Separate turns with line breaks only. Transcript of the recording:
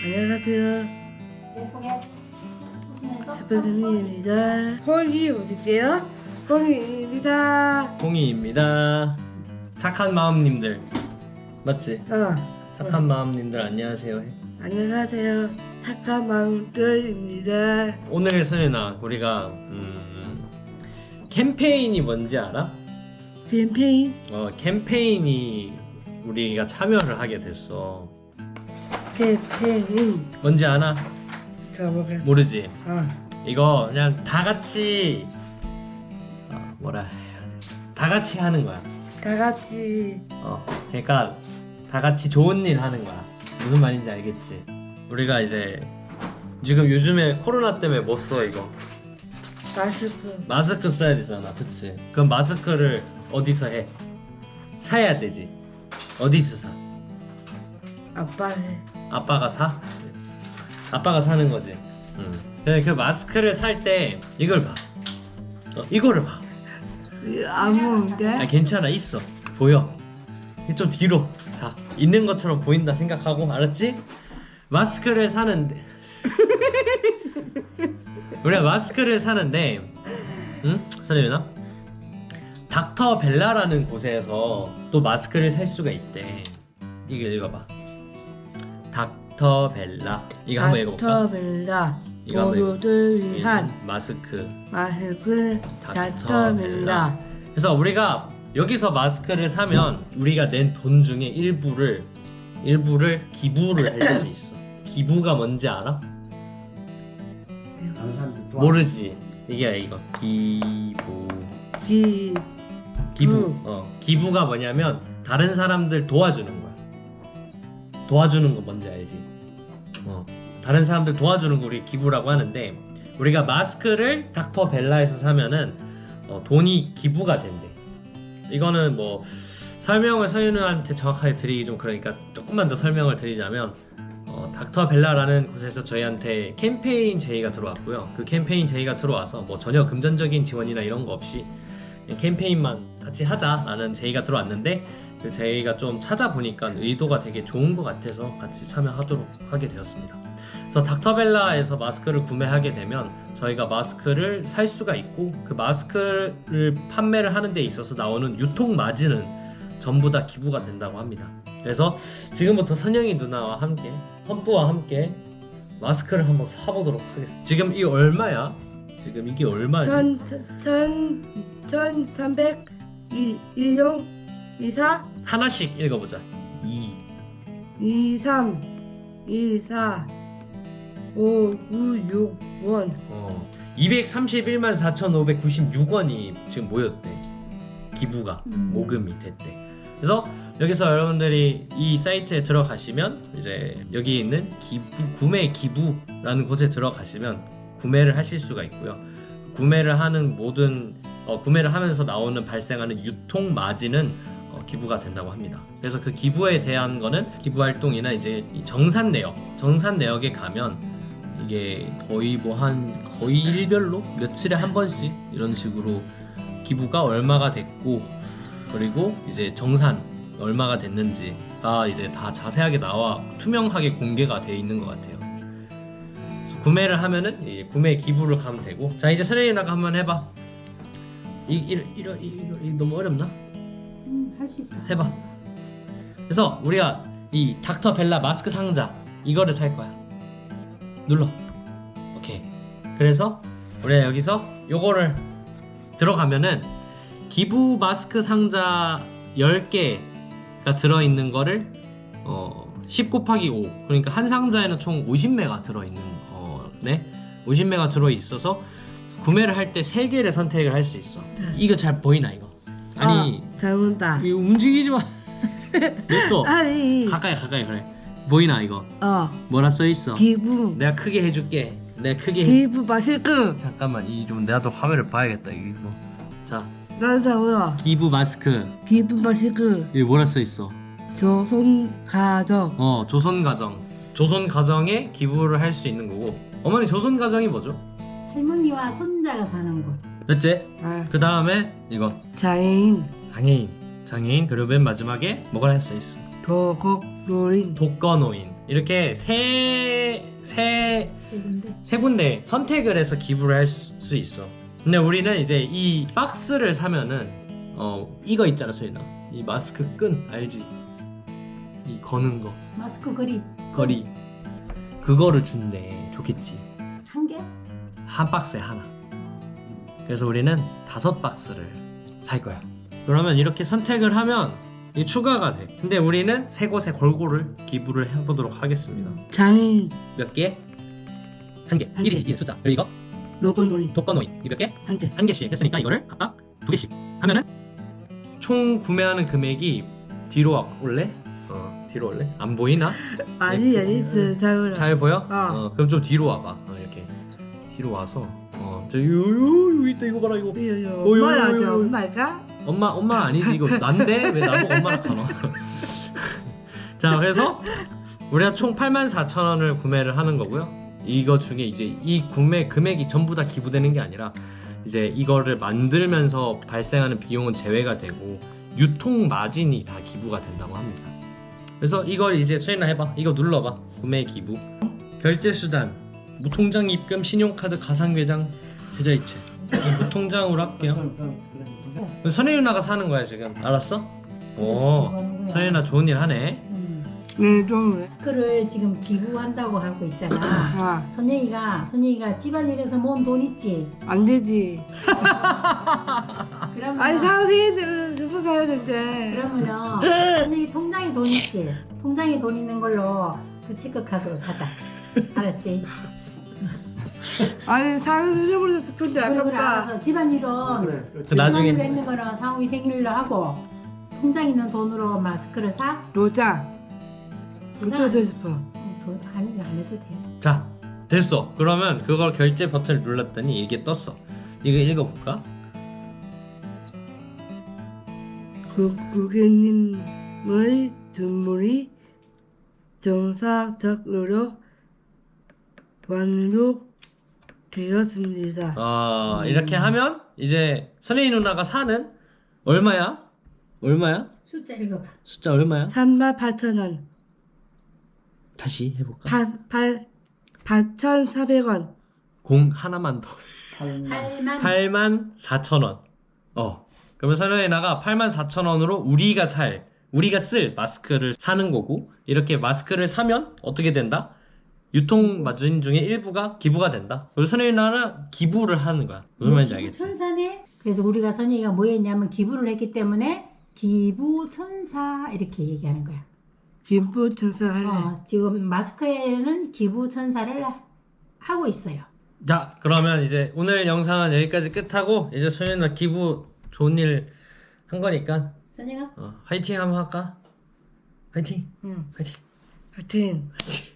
안녕하세요.
예쁘게 웃으면서
스페드민입니다. 홍이 오실게요. 홍이입니다.
홍이입니다. 착한 마음님들 맞지? 착한 마음님들 안녕하세요 해.
안녕하세요. 착한 마음들입니다.
오늘 소연아 우리가 캠페인이 뭔지 알아?
캠페인
캠페인이 우리가 참여를 하게 됐어.
캠페인
뭔지 아나?
저보게.
모르지? 이거 그냥 다 같이 뭐라 해야 되지? 다 같이 하는 거야.
다 같이
그러니까 다 같이 좋은 일 하는 거야. 무슨 말인지 알겠지? 우리가 이제 지금 요즘에 코로나 때문에 못 써 이거. 마스크 써야 되잖아, 그치? 그럼 마스크를 어디서 해? 사야 되지. 어디서 사?
아빠네.
아빠가 사? 아빠가 사는 거지. 근데 그 마스크를 살 때 이걸 봐. 이거를 봐.
아무인데?
괜찮아, 있어. 보여. 좀 뒤로. 자, 있는 것처럼 보인다 생각하고, 알았지? 마스크를 사는데 우리가 마스크를 사는데, 응? 선생님이나? 닥터 벨라라는 곳에서 또 마스크를 살 수가 있대. 이거 읽어봐. 닥터 벨라. 이거 한번 읽어볼까?
닥터벨라
이거 한번
모두를 위한
마스크.
마스크 닥터벨라.
그래서 우리가 여기서 마스크를 사면 우리가 낸 돈 중에 일부를 기부를 할 수 있어. 기부가 뭔지 알아? 모르지. 이게 이거 기부. 기부가 뭐냐면 다른 사람들 도와주는 거야. 도와주는 거 뭔지 알지? 다른 사람들 도와주는 거 우리 기부라고 하는데, 우리가 마스크를 닥터 벨라에서 사면은 돈이 기부가 된대. 이거는 뭐 설명을 서윤우한테 정확하게 드리기 좀 그러니까 조금만 더 설명을 드리자면, 닥터 벨라라는 곳에서 저희한테 캠페인 제의가 들어왔고요. 그 캠페인 제의가 들어와서 뭐 전혀 금전적인 지원이나 이런 거 없이 캠페인만 같이 하자라는 제의가 들어왔는데, 그 제의가 좀 찾아보니까 의도가 되게 좋은 것 같아서 같이 참여하도록 하게 되었습니다. 그래서 닥터벨라에서 마스크를 구매하게 되면 저희가 마스크를 살 수가 있고, 그 마스크를 판매를 하는 데 있어서 나오는 유통 마진은 전부 다 기부가 된다고 합니다. 그래서 지금부터 선영이 누나와 함께, 선부와 함께 마스크를 한번 사보도록 하겠습니다. 지금 이 얼마야? 지금 이게 얼마지?
1300 1용 24
하나씩 읽어보자.
23 24 5 9 6 원.
231만 4,596원이 지금 모였대. 기부가 모금이 됐대. 그래서 여기서 여러분들이 이 사이트에 들어가시면 이제 여기 있는 구매 기부라는 곳에 들어가시면 구매를 하실 수가 있고요. 구매를 하는 구매를 하면서 나오는 발생하는 유통 마진은 기부가 된다고 합니다. 그래서 그 기부에 대한 거는 기부 활동이나 이제 이 정산 내역에 가면 이게 거의 거의 일별로 며칠에 한 번씩 이런 식으로 기부가 얼마가 됐고, 그리고 이제 정산 얼마가 됐는지가 이제 다 자세하게 나와 투명하게 공개가 되어 있는 것 같아요. 그래서 구매를 하면은 구매 기부를 가면 되고. 자, 이제 서래이나가 한번 해봐. 이 너무 어렵나?
할 수 있다.
해봐. 그래서 우리가 이 닥터 벨라 마스크 상자 이거를 살 거야. 눌러. 오케이. 그래서 우리가 여기서 요거를 들어가면은 기부 마스크 상자 10개가 들어있는 거를 10 곱하기 5, 그러니까 한 상자에는 총 50매가 들어있는 거네. 50매가 들어있어서 구매를 할 때 3개를 선택을 할 수 있어. 이거 잘 보이나 이거? 아니
잘 본다.
이거 움직이지 마. 또
아니
가까이 그래. 보이나 이거? 뭐라 써 있어?
기부
내가 크게 해줄게.
기부 마스크.
잠깐만, 이 좀 내가 또 화면을 봐야겠다 이거. 자,
나자고요.
기부 마스크.
기부 마스크.
여기 뭐라 써 있어?
조선 가정.
조선 가정에 기부를 할 수 있는 거고. 어머니, 조선 가정이 뭐죠?
할머니와 손자가 사는 곳.
됐지? 그 다음에 이거
장애인.
장애인. 그리고 맨 마지막에 뭐가 써 있어?
독거노인.
이렇게 세
지금데
군데 선택을 해서 기부를 할 수 있어. 근데 우리는 이제 이 박스를 사면은 이거 있잖아 소연아. 이 마스크 끈 알지? 이 거는 거
마스크 거리
거리 그거를 준대. 좋겠지.
한 개?
한 박스에 하나. 그래서 우리는 5박스를 살 거야. 그러면 이렇게 선택을 하면 이 추가가 돼. 근데 우리는 세 곳에 골고루 기부를 해보도록 하겠습니다.
장인
몇 개? 한 개.
한
1이지
개.
이 숫자. 그리고 이거
로건놀이
독거노인 이 몇 개?
한 개.
한 개씩 했으니까 이거를 각각 2개씩 하면은 총 구매하는 금액이 뒤로 올래? 뒤로 올래? 안 보이나?
아니 잘 올라.
잘 보여?
어.
그럼 좀 뒤로 와봐. 이렇게 뒤로 와서 여기 있다. 이거 봐라 이거.
엄마야 저 엄마가
엄마 아니지 이거 난데 왜 나보고 엄마라 하나? 자 그래서 우리가 총 84,000원을 구매를 하는 거고요. 이거 중에 이제 이 구매 금액이 전부 다 기부되는 게 아니라 이제 이거를 만들면서 발생하는 비용은 제외가 되고 유통 마진이 다 기부가 된다고 합니다. 그래서 이걸 이제 소연아 해봐. 이거 눌러봐. 구매 기부 결제 수단 무통장 입금 신용카드 가상계좌 계좌이체 무통장으로 할게요. 선혜 누나가 사는 거야 지금. 알았어? 오 선혜 좋은 일 하네.
네좀
마스크를 지금 기부한다고 하고 있잖아.
아,
선영이가 집안일에서 모은 돈 있지?
안 되지.
그러면
아니 사세이들은 주부 사야 된대.
그러면은 선영이 통장에 돈 있지? 통장에 돈 있는 걸로 그 치크카드로 사자. 알았지?
아니 사는 일부러 싶은데
그래
아깝다.
알아서 집안일은
그 나중에
집안일로 했는 거는 상욱이 생일로 하고 통장 있는 돈으로 마스크를 사?
도장. 어쩌고 싶어.
돈 아니 안 해도 돼.
자 됐어. 그러면 그걸 결제 버튼을 눌렀더니 이게 떴어. 이거 읽어볼까?
고객님의 주문이 정상적 노력 완료되었습니다.
이렇게 하면 이제 선혜이 누나가 사는 얼마야?
숫자 읽어봐.
숫자 얼마야?
38,000원.
다시 해볼까?
8,400원.
공 하나만 더.
8만
84,000원. 그러면 선혜이 누나가 84,000원으로 우리가 쓸 마스크를 사는 거고, 이렇게 마스크를 사면 어떻게 된다? 유통 마진 중에 일부가 기부가 된다. 그래서 선혜이 누나는 기부를 하는 거야. 무슨 말인지 알겠지?
천사네. 그래서 우리가 선영이가 뭐 했냐면 기부를 했기 때문에 기부천사 이렇게 얘기하는 거야.
김포천사 할래.
지금 마스크에는 기부천사를 하고 있어요.
자, 그러면 이제 오늘 영상은 여기까지 끝하고, 이제 선혜이 누나 기부 좋은 일 한 거니까
선영아
화이팅 한번 할까? 화이팅!
응.
화이팅!
하여튼
화이팅!